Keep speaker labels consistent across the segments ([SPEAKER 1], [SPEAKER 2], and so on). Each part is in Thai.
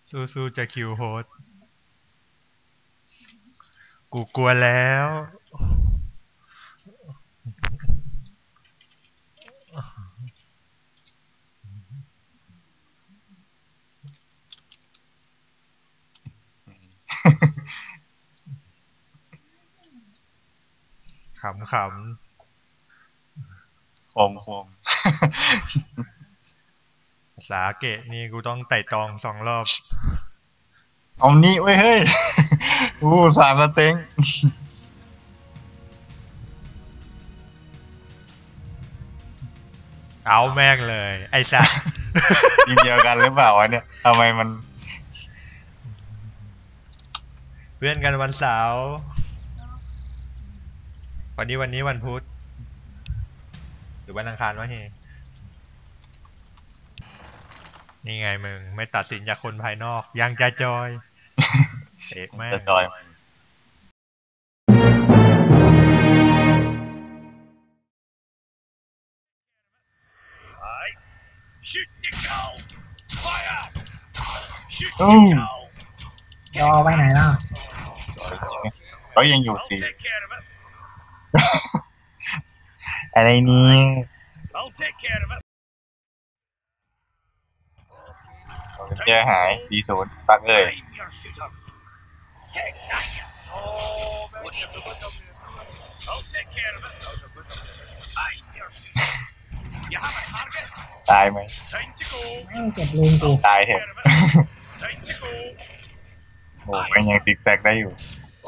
[SPEAKER 1] สู้ๆจะคิวโฮสกูกลัวแล้วขำ
[SPEAKER 2] คม
[SPEAKER 1] ๆสาเกะนี่กูต้องไต่ตอง2 รอบ
[SPEAKER 2] เอานี้ไว้เฮ้ยสามสเต็ง
[SPEAKER 1] เอาแม่งเลยไอ้สัตว์
[SPEAKER 2] ทีมเดียวกันหรือเปล่าวะเนี่ยทำไมมัน
[SPEAKER 1] เพื่อนกันวันเสาร์วันนี้วันพุธหรือวันอังคารวะเฮนี่ไงมึงไม่ตัดสินจากคนภายนอกยังจะจอยเอกแม่
[SPEAKER 2] จะ
[SPEAKER 1] ง
[SPEAKER 2] จอยโอ้
[SPEAKER 3] รอไปไหนล่ะ
[SPEAKER 2] เขายังอยู่สิอะไรนี้แก้หาย40ปักเลยตายไหม
[SPEAKER 3] ไม่เก็บลืมกู
[SPEAKER 2] ตายเถอะโอ้มันยังซิกแซกได้อยู่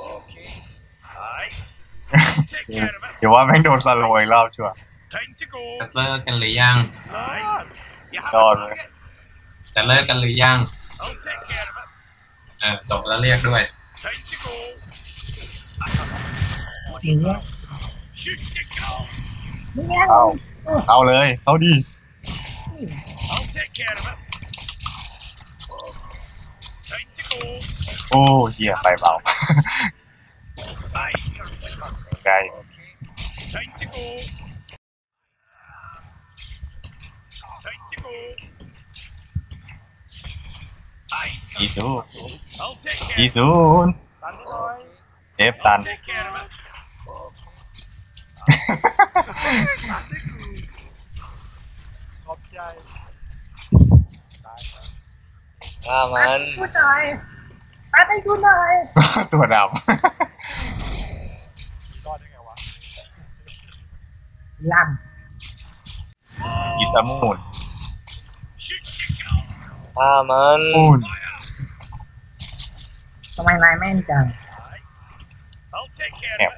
[SPEAKER 2] เดี๋ยวว่าแม่งโดนสโลว์อีกรอบชัวร์
[SPEAKER 4] จะเลิกกันหรือยัง
[SPEAKER 2] รอดเลย
[SPEAKER 4] จะเลิกกันหรือยังจบแล้วเรียกด้วย
[SPEAKER 3] หรือว่าไม่แน่
[SPEAKER 2] เอาเลยเอาดีโอ้เหี้ยไปเบาไกล20เอฟตัน
[SPEAKER 3] มันพูดหน่อยปัดให้กูหน่อย
[SPEAKER 2] ตัวดำ
[SPEAKER 3] ล
[SPEAKER 2] อิสามูนมูน
[SPEAKER 3] ทำไมนายแม่นจัง
[SPEAKER 2] แอบ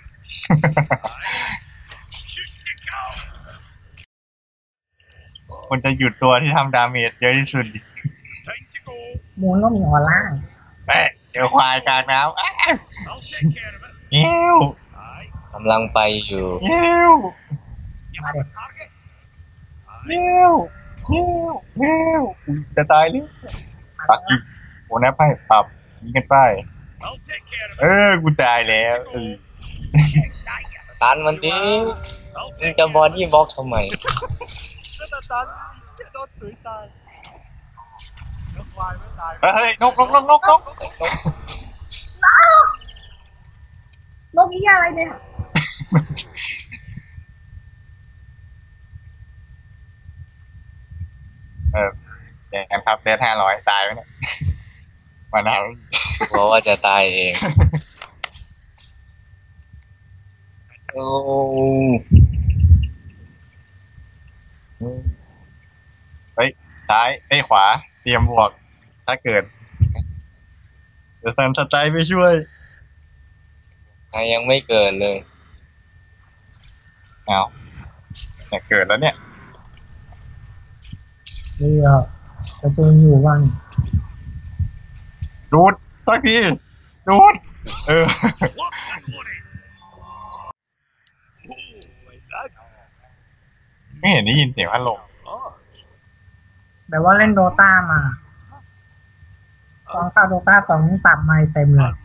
[SPEAKER 2] มันจะหยุดตัวที่ทำดาเมจเยอะที่สุด
[SPEAKER 3] มูนก็มีออร่า
[SPEAKER 2] แม่เดี๋ยวควายกลางน้ำเงี้ยว
[SPEAKER 5] กำลังไปอยู่
[SPEAKER 2] เงี้ยว
[SPEAKER 3] มาเด็ก
[SPEAKER 2] เงี้ยวเงี้ยวเงี้ยวจะตายเลยปักยิงโอ้นะไพ่ปรับยิงกันไปกูตายแล้ว
[SPEAKER 5] ตันมันดิมึงจะบอดี้บล็อกทำไม
[SPEAKER 2] เฮ้ยนก
[SPEAKER 3] นกยี่อะไรเนี่ย
[SPEAKER 2] อย่างนั้นครับเดท500ตายไหมเนี่ยมานาน
[SPEAKER 5] เพราะว่าจะตายเองโอ้
[SPEAKER 2] เฮ้ยซ้ายขวาเตรียมบวกถ้าเกิดเดี๋ยวซันสไตล์ไปช่วย
[SPEAKER 5] ยังไม่เกิดเลย
[SPEAKER 2] เอาเนี่ยเกิดแล้วเนี่ย
[SPEAKER 3] นี่เหรอจะตูนอยู่บ้าง
[SPEAKER 2] ดูดสักทีดูดไม่เห็นได้ยินเสียงพัดลม
[SPEAKER 3] แบบว่าเล่นโดตามาตอนเข้าโดตา2ปรับไม่เต็มเลย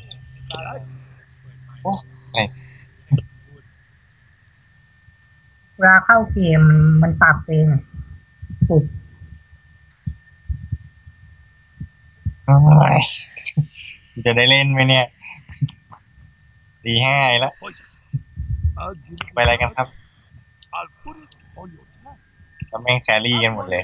[SPEAKER 2] โอ้
[SPEAKER 3] เวลาเข้าเกมมันปรับเองอะปุบ
[SPEAKER 2] โอ้ยจะได้เล่นไหมเนี่ยตี 5แล้วไปอะไรกันครับแล้วแม่งแครี่กันหมดเลย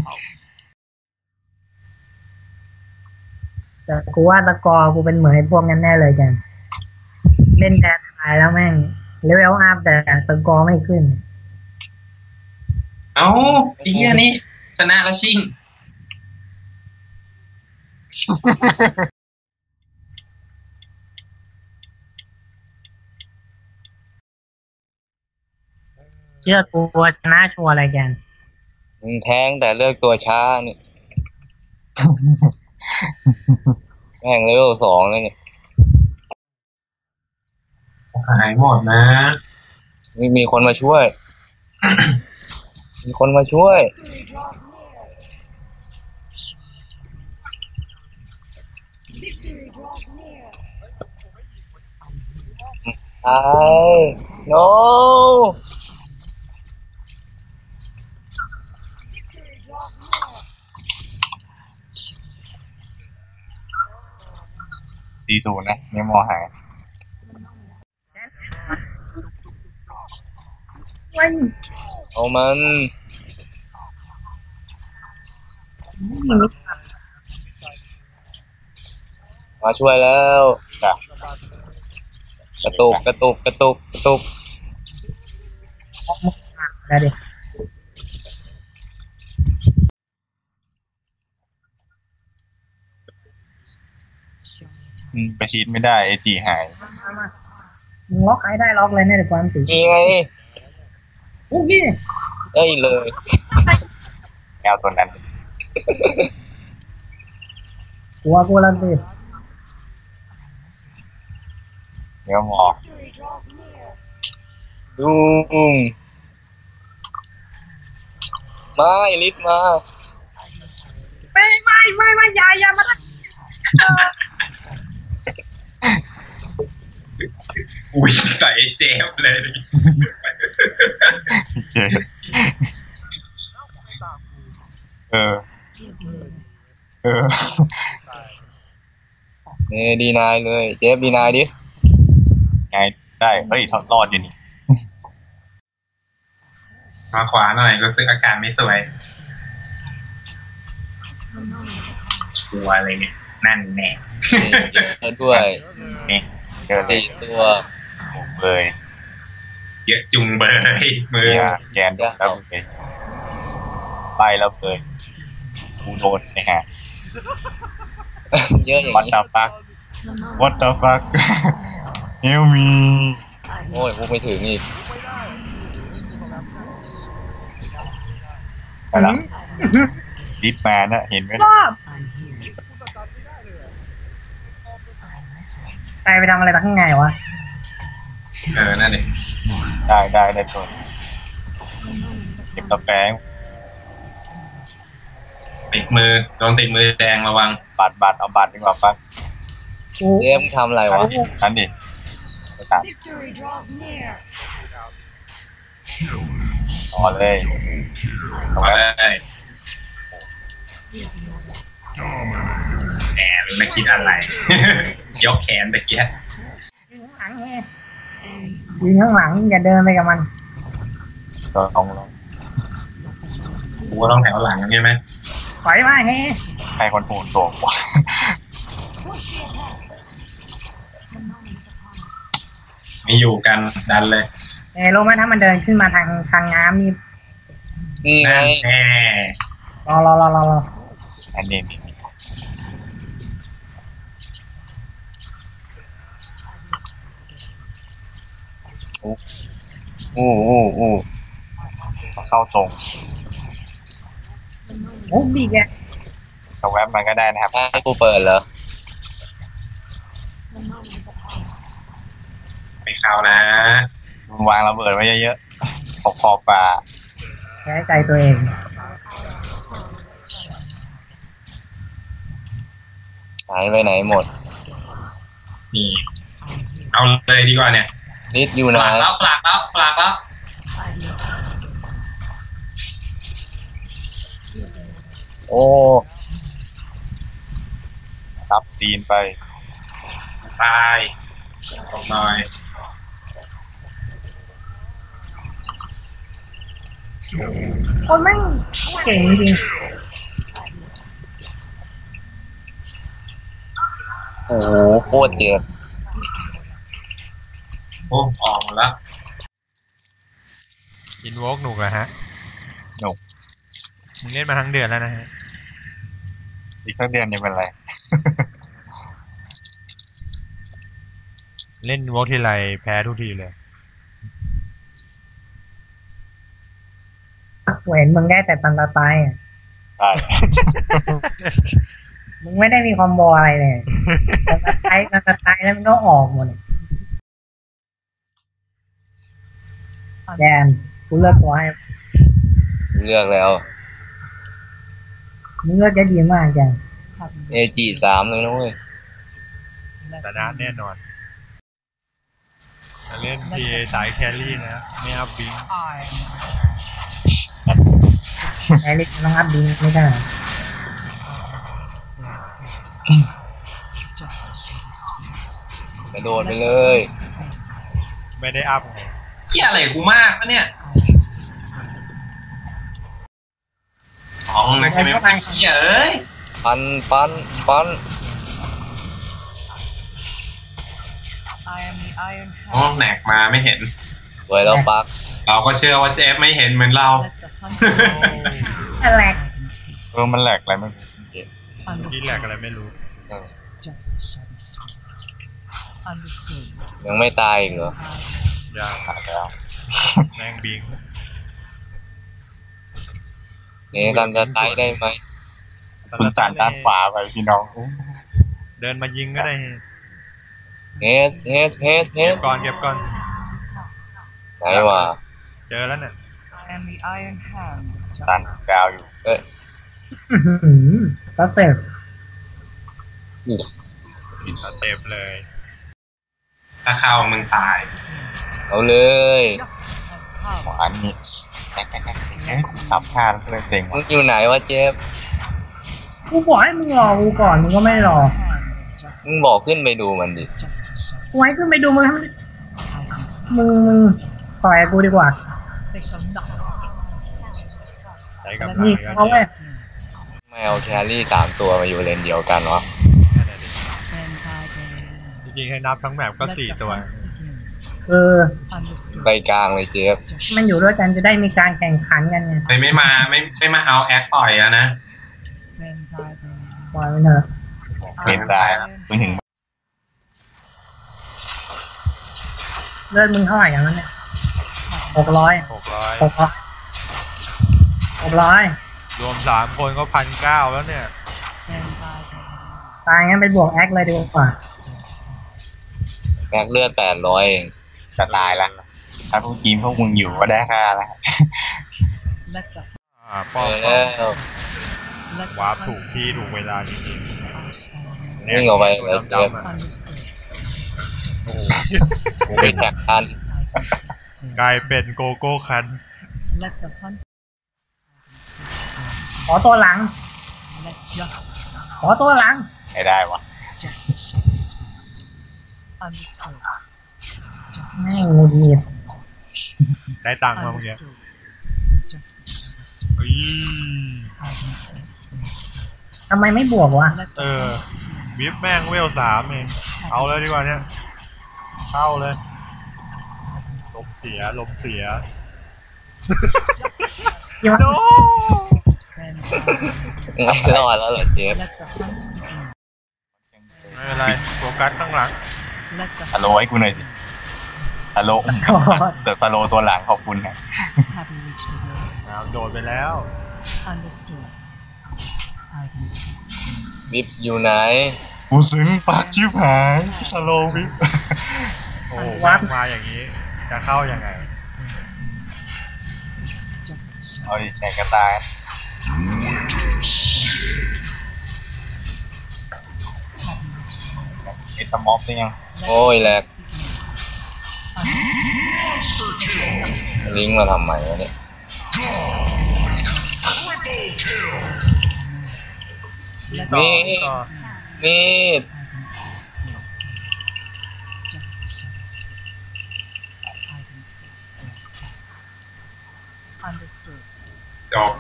[SPEAKER 3] แต่กูว่าตะกอร์กูเป็นเหมือนไอ้พวกนั้นแน่เลยกันเล่นแต่ตายแล้วแม่งเลเวลอัพแต่ตะกอร์ไม่ขึ้น
[SPEAKER 4] เอ้าไอ้เหี้ยนี่ชนะแล้วชิง
[SPEAKER 3] เชื่อกูว่าชนะชัวร์อะไรกัน
[SPEAKER 5] มึงแทงแต่เลือกตัวช้านี่ แม่งเลเวล2แล้วเนี่ย
[SPEAKER 4] หายหมดนะ
[SPEAKER 5] มีคนมาช่วย มีคนมาช่วยไอ้ no
[SPEAKER 2] 40นะเนี่ยมอหาย
[SPEAKER 3] วัน
[SPEAKER 5] เอามัน มาช่วยแล้วจ้ะกระตุก
[SPEAKER 3] แล้วดิ
[SPEAKER 2] ไปชีดไม่ได้ไอจีหาย
[SPEAKER 3] มามึงล็อกไอ้ได้ล็อกเลยเนี่ยเดี๋ยวความตี
[SPEAKER 5] นี่ไง
[SPEAKER 3] โอ้ย
[SPEAKER 5] เอ้ยเลย
[SPEAKER 2] แมวตัวนั้น
[SPEAKER 3] กลัวกูแล้วสิ
[SPEAKER 2] เดี๋ยวหมอ
[SPEAKER 5] ลุงมาไอลิศมา
[SPEAKER 3] ไม่อย่ามาท
[SPEAKER 4] อุ้ยใส่เจฟเลย
[SPEAKER 2] เจเออ
[SPEAKER 5] นี่ดีนายเลย เจฟดีนายดิ
[SPEAKER 2] ไงได้เฮ้ยรอดอยู่นี่
[SPEAKER 4] มาขวาหน่อยรู้สึกอาการไม่สวยกลัวอะไรเนี่ยนั่นแน่
[SPEAKER 5] เจอด้วย
[SPEAKER 2] เจอเลย
[SPEAKER 5] 4 ตัว
[SPEAKER 2] เลย
[SPEAKER 4] เยอะจุงเบยมือ
[SPEAKER 2] เนี่ยแกนแล้วเลยไปแล้วเลยกูโดนนะฮะ
[SPEAKER 5] เยอะอย่าง
[SPEAKER 2] What
[SPEAKER 5] นี้
[SPEAKER 2] the fuck What the fuck Help me
[SPEAKER 5] โอ้ยพูดไม่ถึงอีก
[SPEAKER 2] ไปละดิสมานะเห็นไหม
[SPEAKER 3] ำรอบตายไปทำอะไรข้างในวะ
[SPEAKER 4] นั่นเอง
[SPEAKER 2] ได้ตัวเก็บกาแฟ
[SPEAKER 4] ติดมือโดนติดมือแดงระวัง
[SPEAKER 2] บัตรเอาบัตรดีกว่าปั๊บ
[SPEAKER 3] กู
[SPEAKER 5] เจฟมึงทำอะไรวะ
[SPEAKER 2] นั่นดิไปตามต่อเลยตรง
[SPEAKER 4] เอา
[SPEAKER 2] นั้น
[SPEAKER 4] ได้แหมรู้นะคิดอะไร ยกแขนตะเกียบ
[SPEAKER 3] ยิงข้างหลังอย่าเดินไปกับมัน
[SPEAKER 2] ก็ลอง
[SPEAKER 4] กูต้องแถวหลังใช่ไหม
[SPEAKER 3] ปล่อยมาเฮ้
[SPEAKER 2] ใครคนโหดตัวกว่า
[SPEAKER 4] ไม่อยู่กันดันเลย
[SPEAKER 3] รู้ไหมถ้ามันเดินขึ้นมาทางน้ำนี่
[SPEAKER 5] นี่ไง
[SPEAKER 4] นั่นแน่
[SPEAKER 3] รอ
[SPEAKER 2] อันนี้อู้เข้าตรง
[SPEAKER 3] โอ้ดีแก
[SPEAKER 2] สแวบมันก็ได้นะครับ
[SPEAKER 5] ให้กูเปิดเหรอ
[SPEAKER 4] ไม่เข้านะ
[SPEAKER 2] วางระเบิดไว้เยอะๆขอบป่า
[SPEAKER 3] แพ้ใจตัวเอง
[SPEAKER 5] หายไปไหนหมด
[SPEAKER 4] นี่ เอาเลยดีกว่าเนี่ย
[SPEAKER 5] ลิศอยู่
[SPEAKER 4] ป
[SPEAKER 5] ไหน
[SPEAKER 4] ลากแล้ว
[SPEAKER 5] โอ้
[SPEAKER 2] รับตีนไป
[SPEAKER 4] ตายตกหน่อย
[SPEAKER 3] คนแม่งเก่งจริง
[SPEAKER 5] โหโคตรเจ็บ
[SPEAKER 4] โอ้ออกมาแล้ว
[SPEAKER 1] อินโวกหนุกเหรอฮะ
[SPEAKER 2] หนุก
[SPEAKER 1] มึงเล่นมาทั้งเดือนแล้วนะฮะ
[SPEAKER 2] อีกสักเดือนยังเป็นไร
[SPEAKER 1] เล่นโวกทีไรแพ้ทุกทีเลย
[SPEAKER 3] กูเห็นมึงได้แต่ตันตาตายอ่ะ
[SPEAKER 2] ได้
[SPEAKER 3] มึงไม่ได้มีคอมโบอะไรเลยตันตาตายแล้วมันก็ออกหมดเลยแดนกูเลือกตัวให้
[SPEAKER 5] เลือกแล้ว
[SPEAKER 3] มึงเลือกได้ดีมากจัง
[SPEAKER 5] เอจี3เลยนะเว้ย
[SPEAKER 1] ชนะแน่นอนจะเล่นพีเอสายแครี่นะไม่เอาบิง
[SPEAKER 3] ไอริสน้องอัพดีไม่ได้
[SPEAKER 5] กระโดดไปเลย
[SPEAKER 1] ไม่ได้อัพไง
[SPEAKER 4] เหี้ยอะไรกูมากปะเนี่ยท้องนะใช่ไหมว่าเหี้ยเอ้ย
[SPEAKER 5] ปันปันปัน
[SPEAKER 4] โอ้แหนกมาไม่เห็น
[SPEAKER 5] สวยแล้วปัก
[SPEAKER 4] เราก็เชื่อว่าเจฟไม่เห็นเหมือนเรา
[SPEAKER 3] อะไร
[SPEAKER 2] มันแหลกอะไรไม่รู้เกม
[SPEAKER 1] ที่แหลกอะไรไม่รู้
[SPEAKER 5] ยังไม่ตายอีกเหรอ
[SPEAKER 1] ยัง
[SPEAKER 2] หายแล้ว
[SPEAKER 1] แม่งบิง
[SPEAKER 5] เนี่ยกันจะตายได้ไหม
[SPEAKER 2] คุณจานด้านขวาไปพี่น้อง
[SPEAKER 1] เดินมายิงก็ได้
[SPEAKER 5] เฮสเฮสเฮสเฮ
[SPEAKER 1] เก็
[SPEAKER 5] ส
[SPEAKER 1] บก่อนเก็บก่อน
[SPEAKER 5] ไหนวะ
[SPEAKER 1] เจอแล้วเนี่ย
[SPEAKER 2] ตันกาวอยู่
[SPEAKER 5] เอ้ย
[SPEAKER 3] ก็เต็ม
[SPEAKER 5] อิส
[SPEAKER 2] อิส
[SPEAKER 1] สเต็ปเลย
[SPEAKER 4] ถ้าเข้ามึงตาย
[SPEAKER 5] เอาเลย
[SPEAKER 2] ขวานี่กูสับพลาดเลยเซ็ง
[SPEAKER 5] มึ
[SPEAKER 2] ว่ะ
[SPEAKER 5] งอยู่ไหนวะเจฟ
[SPEAKER 3] กูบอกให้มึงรอกูก่อนมึงก็ไม่รอ
[SPEAKER 5] มึงบอกขึ้นไปดูมันดิ
[SPEAKER 3] กูให้ขึ้นไปดูมึงทำมึงต่อยกับกูดีกว่า
[SPEAKER 1] ใช้กับ
[SPEAKER 3] นี่เอาไว้
[SPEAKER 5] ไม่เอาแครี่3 ตัวมาอยู่เลนเดียวกันวะ
[SPEAKER 1] จริงๆให้นับทั้งแมปก็4 ตัว
[SPEAKER 5] ไปกลางเลยเจฟ
[SPEAKER 3] มันอยู่ด้วยกันจะได้มีการแข่งขันกันไง
[SPEAKER 4] ไม่มาเอาแอคต่อยอะนะ
[SPEAKER 3] ปล่อยมันเถอะ
[SPEAKER 2] เล่นได้ไม่ถึง
[SPEAKER 3] เลือดมึงเท่าไหร่อย่างนั้นเนี่ย600
[SPEAKER 1] 600
[SPEAKER 3] 600
[SPEAKER 1] รวม3 คนก็1,900แล้วเนี่ย
[SPEAKER 3] ตายงั้นไปบวกแอคเลยดีกว่า
[SPEAKER 5] แม็กเลือด800เอง
[SPEAKER 2] จะตายละถ้าพวกทีมพวกมึงอยู่ก็ได้ค่าละ
[SPEAKER 1] ป้อม
[SPEAKER 5] แล้ว
[SPEAKER 1] วาร์ปถูกที่ถูกเวลาจริงๆ
[SPEAKER 5] วิ่งออกไปเลยเจฟ
[SPEAKER 1] โอ้โห
[SPEAKER 5] กูไปแท็กทัน
[SPEAKER 1] กลายเป็นโกโก้คัน
[SPEAKER 3] ขอตัวหลัง ขอตัวหลัง
[SPEAKER 2] ไม่ได้วะ
[SPEAKER 3] แม่งงูดีด
[SPEAKER 1] ได้ตังค์มาเมื่อกี้เฮ้ย
[SPEAKER 3] ทำไมไม่บวกวะ
[SPEAKER 1] วิปแม่งเวล3เอง เอาเลยดีกว่าเนี่ย เข้าเลย ลมเสีย
[SPEAKER 3] ยัง
[SPEAKER 1] โน
[SPEAKER 5] ไม่รอดแล้วเหรอเจฟ
[SPEAKER 1] ไม่เป็นไรโฟกัสข้างหลัง
[SPEAKER 2] ฮัลโหลให้กูหน่อยสิฮัลโหลแต่สโลตัวหลังขอบคุณนะ
[SPEAKER 1] โดดไปแล้ว
[SPEAKER 5] วิปอยู่ไหน
[SPEAKER 2] กูซึ้งปากชิบหายสโลวิป
[SPEAKER 1] โอ้โหแม่งมาอย่างนี้ จะเข้ายังไง
[SPEAKER 2] เอาดิแข่งกันตายไอ้ตะม็อบนี่ยัง
[SPEAKER 5] โอ้ยแหลกลิงก์มาทำไมวะเนี่ย
[SPEAKER 1] ต่อ
[SPEAKER 5] นี่
[SPEAKER 1] วิ่งต่อ
[SPEAKER 5] นี่
[SPEAKER 4] จบ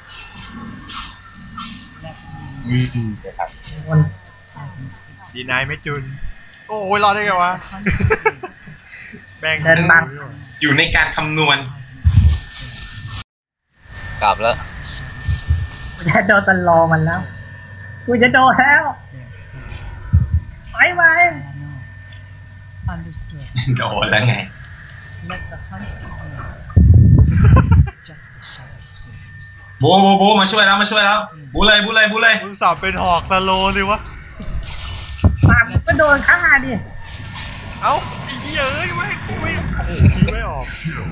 [SPEAKER 2] ดีนะครับ
[SPEAKER 3] คน
[SPEAKER 1] ดีนายไม่จุน โอ้ยรอดได้ไงวะ แบ่ง
[SPEAKER 3] เดินบัง
[SPEAKER 4] อยู่ในการคำนวณ
[SPEAKER 5] กลับแล้ว
[SPEAKER 3] กูจะโดนตลอมันแล้วกูจะโดนแล้วไป
[SPEAKER 6] Understood.
[SPEAKER 4] โดนแล้วไง
[SPEAKER 6] Let the hunt begin. Justice shall be swift.
[SPEAKER 4] บูมาช่วยแล้วบูเลย
[SPEAKER 1] มึงสอบเป็นหอกสโลว์สิวะ
[SPEAKER 3] ปากมันก็โดนฆ่าดิ
[SPEAKER 1] เอ้าไอ้เหี้ยเอ้ยไม่กูไม่ไม่ออก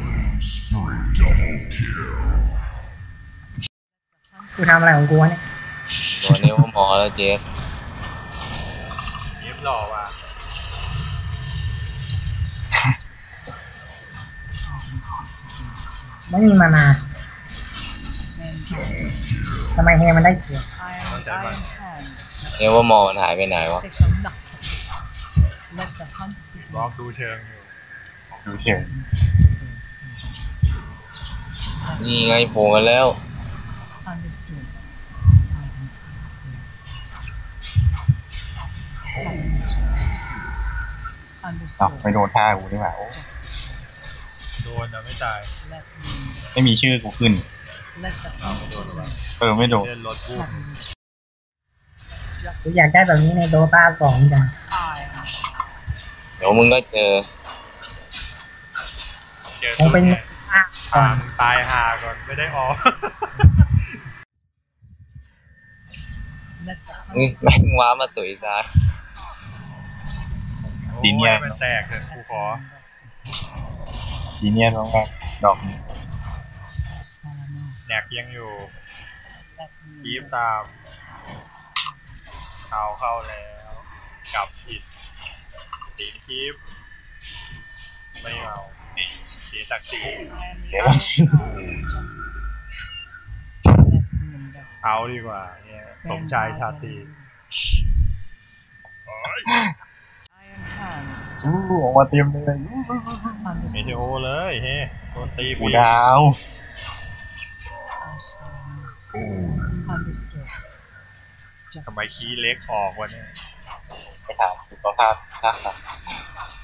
[SPEAKER 3] กูทำอะไรของกูวะเนี่ย
[SPEAKER 5] ตัวนี้ว่าหมอแล้วเจ๊
[SPEAKER 1] เย็บหล่อว่ะ
[SPEAKER 3] ไม่มีมานาทำไมเฮมันได้เกียรติ
[SPEAKER 6] Iron hand.
[SPEAKER 5] เนี่ยว่าหมอมันหายไปไหนวะ
[SPEAKER 6] They shall not succeed. Let the hunt
[SPEAKER 1] บล็อก
[SPEAKER 6] begin.
[SPEAKER 1] ดูเชิงอยู่
[SPEAKER 2] ดูเฉย
[SPEAKER 5] นี่ไงโผล่มาแล้ว
[SPEAKER 6] Understood. Understood.
[SPEAKER 2] เอ้าไม่โดนท่ากูดีกว่าโอ้
[SPEAKER 6] Justice shall be swift.
[SPEAKER 1] โดนนะไม่ตาย
[SPEAKER 6] Let me.
[SPEAKER 2] ไม่มีชื่อกูขึ้น
[SPEAKER 6] Let the hunt begin.
[SPEAKER 2] ไม่โดน
[SPEAKER 1] เล่นรถกู
[SPEAKER 3] กูอยากได้แบบนี้ในโดตา2จัง
[SPEAKER 6] I
[SPEAKER 5] เดี๋ยวมึงก็เจอ
[SPEAKER 1] เจอ
[SPEAKER 3] คงเป็น
[SPEAKER 1] เนี่ย
[SPEAKER 3] อ่ะก่อน
[SPEAKER 1] ตายหาก่อนไม่ได้ออก
[SPEAKER 6] let the
[SPEAKER 5] นี่
[SPEAKER 6] hunt
[SPEAKER 5] แม่งว้ามาตุ๋ยซ้าย
[SPEAKER 2] จีเนียส
[SPEAKER 1] โอ้มันแตกเถอะกูขอ
[SPEAKER 2] จีเนียสมากๆดอกนี้
[SPEAKER 1] แหนกยังอยู่
[SPEAKER 6] let
[SPEAKER 1] คี
[SPEAKER 6] me
[SPEAKER 1] บตามเข้าแล้ว กลับผิดตีคีบไม่เอาเสียศักดิ์ศรี
[SPEAKER 2] เดี๋ยวเราซื้อ
[SPEAKER 1] เอาดีกว่าเนี่ยสมชายชาตรี
[SPEAKER 6] Iron hand.
[SPEAKER 2] ออกมาเต็มเลย
[SPEAKER 1] เม
[SPEAKER 6] Understood.
[SPEAKER 1] เทโอเลยเฮ้โดนตี
[SPEAKER 2] กู
[SPEAKER 1] ปี
[SPEAKER 2] ดาว
[SPEAKER 6] Understood.
[SPEAKER 1] ทำไมขี้เล็กออกวะเนี่ย
[SPEAKER 2] ไปถามสุขภาพชาติ